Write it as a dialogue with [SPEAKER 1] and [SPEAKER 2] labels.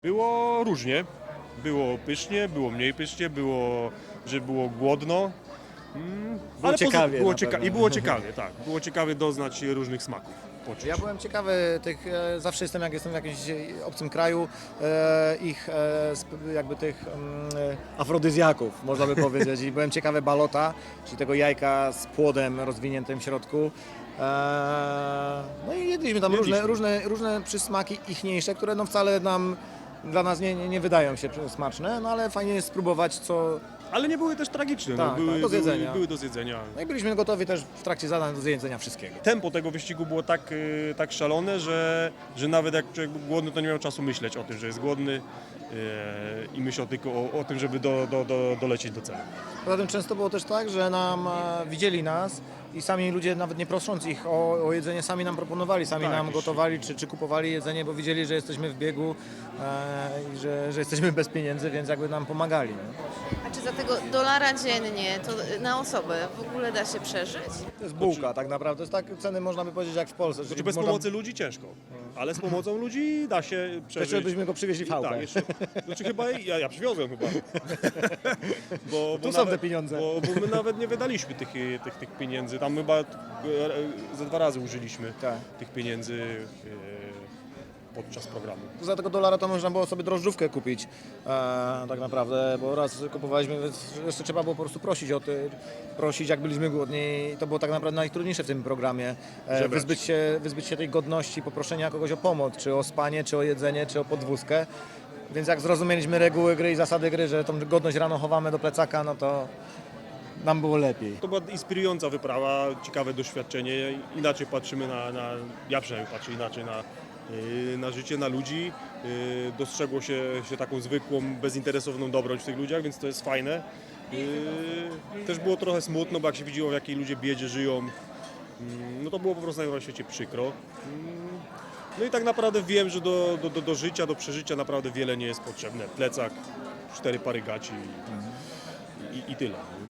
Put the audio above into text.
[SPEAKER 1] Było różnie. Było pysznie, było mniej pysznie, że było głodno. Ale
[SPEAKER 2] ciekawie
[SPEAKER 1] było
[SPEAKER 2] na pewno.
[SPEAKER 1] I było ciekawie, tak. Było ciekawie doznać różnych smaków. Poczuć.
[SPEAKER 2] Ja byłem ciekawy tych, zawsze jestem, jak jestem w jakimś obcym kraju, jakby tych afrodyzjaków, można by powiedzieć. I byłem ciekawy balota, czyli tego jajka z płodem rozwiniętym w środku. No i jedliśmy tam różne przysmaki ichniejsze, które no wcale dla nas nie wydają się smaczne, no ale fajnie jest spróbować, co...
[SPEAKER 1] Ale nie były też tragiczne,
[SPEAKER 2] Tak,
[SPEAKER 1] były,
[SPEAKER 2] tak, do zjedzenia.
[SPEAKER 1] były do zjedzenia.
[SPEAKER 2] No i byliśmy gotowi też w trakcie zadań do zjedzenia wszystkiego.
[SPEAKER 1] Tempo tego wyścigu było tak szalone, że nawet jak człowiek był głodny, to nie miał czasu myśleć o tym, że jest głodny i myślał tylko o tym, żeby dolecieć do celu.
[SPEAKER 2] Poza tym często było też tak, że widzieli nas i sami ludzie, nawet nie prosząc ich o jedzenie, sami nam proponowali, sami
[SPEAKER 1] Tak,
[SPEAKER 2] nam gotowali czy kupowali jedzenie, bo widzieli, że jesteśmy w biegu i że jesteśmy bez pieniędzy, więc jakby nam pomagali. Nie?
[SPEAKER 3] A czy za tego dolara dziennie to na osobę w ogóle da się przeżyć?
[SPEAKER 2] To jest bułka tak naprawdę, to jest tak ceny można by powiedzieć jak w Polsce.
[SPEAKER 1] Znaczy bez pomocy ludzi ciężko, ale z pomocą ludzi da się przeżyć.
[SPEAKER 2] Jeszcze byśmy go przywieźli w chałupę.
[SPEAKER 1] Tak, jeszcze, znaczy chyba ja przywiozłem chyba. Bo
[SPEAKER 2] Tu są te pieniądze.
[SPEAKER 1] Bo my nawet nie wydaliśmy tych pieniędzy, tam chyba ze 2 razy użyliśmy
[SPEAKER 2] Tak.
[SPEAKER 1] tych pieniędzy podczas programu.
[SPEAKER 2] Za tego dolara to można było sobie drożdżówkę kupić tak naprawdę, bo raz kupowaliśmy, więc jeszcze trzeba było po prostu prosić jak byliśmy głodni. To było tak naprawdę najtrudniejsze w tym programie.
[SPEAKER 1] Żebrać.
[SPEAKER 2] Wyzbyć się tej godności, poproszenia kogoś o pomoc, czy o spanie, czy o jedzenie, czy o podwózkę. Więc jak zrozumieliśmy reguły gry i zasady gry, że tą godność rano chowamy do plecaka, no to nam było lepiej.
[SPEAKER 1] To była inspirująca wyprawa, ciekawe doświadczenie. Inaczej patrzymy ja przynajmniej patrzę inaczej na życie, na ludzi. Dostrzegło się taką zwykłą, bezinteresowną dobroć w tych ludziach, więc to jest fajne. Też było trochę smutno, bo jak się widziło, w jakiej ludzie biedzie żyją, no to było po prostu na świecie przykro. No i tak naprawdę wiem, że do życia, do przeżycia naprawdę wiele nie jest potrzebne. Plecak, 4 pary gaci i tyle.